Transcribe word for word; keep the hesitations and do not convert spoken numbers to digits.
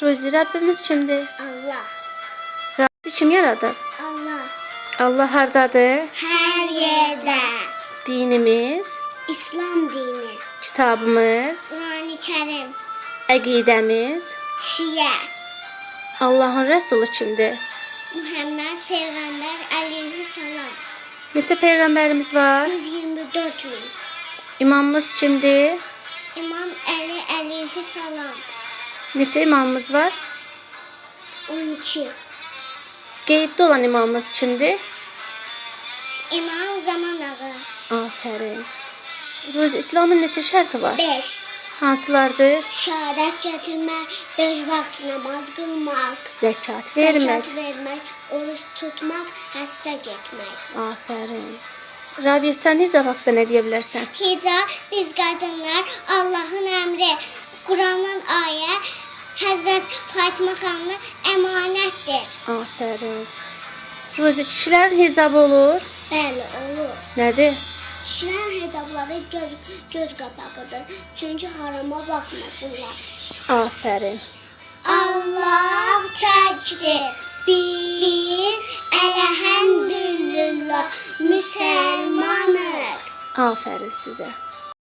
Ruzi, Rəbbimiz kimdir? Allah. Rabbi kim yaradır? Allah. Allah hardadır? Her yerde. Dinimiz, İslam dini. kitabımız, Kur'an-ı Kerim. əqidəmiz, Şiye. Allahın Rəsulu kimdir? Muhammed Peygamber aleyhisselam. Neçə peyğəmbərimiz var? yüz yirmi dört bin. İmamımız kimdir? İmam Ali aleyhisselam. Neçə imamımız var? on iki. Qeybdə olan imamımız kimdir? İmam Zaman Ağa. Afərin. Ruzi, İslamın neçə şərti var? beş. Hansılardır? Şehadet getirmek, beş vakit namaz kılmak, Zəkat vermək. zekat vermek, oruç tutmak, həcca getmek. Afərin. Rabia, sən hicab haqqında nə deyə bilərsən? Hicab biz kadınlar Allah'ın emri, Kur'an'ın ayet, Hazret Fatıma xanımın emanettir. Afərin. Ruzi, kişilərin hicabı olur. Bəli, olur. Nədir? Kişilərin hicabları göz, göz qapağıdır. Çünkü harama bakmasınlar. Afərin. Allah təkdir. Biz elhamdülillah müsəlmanıq. Afərin sizə.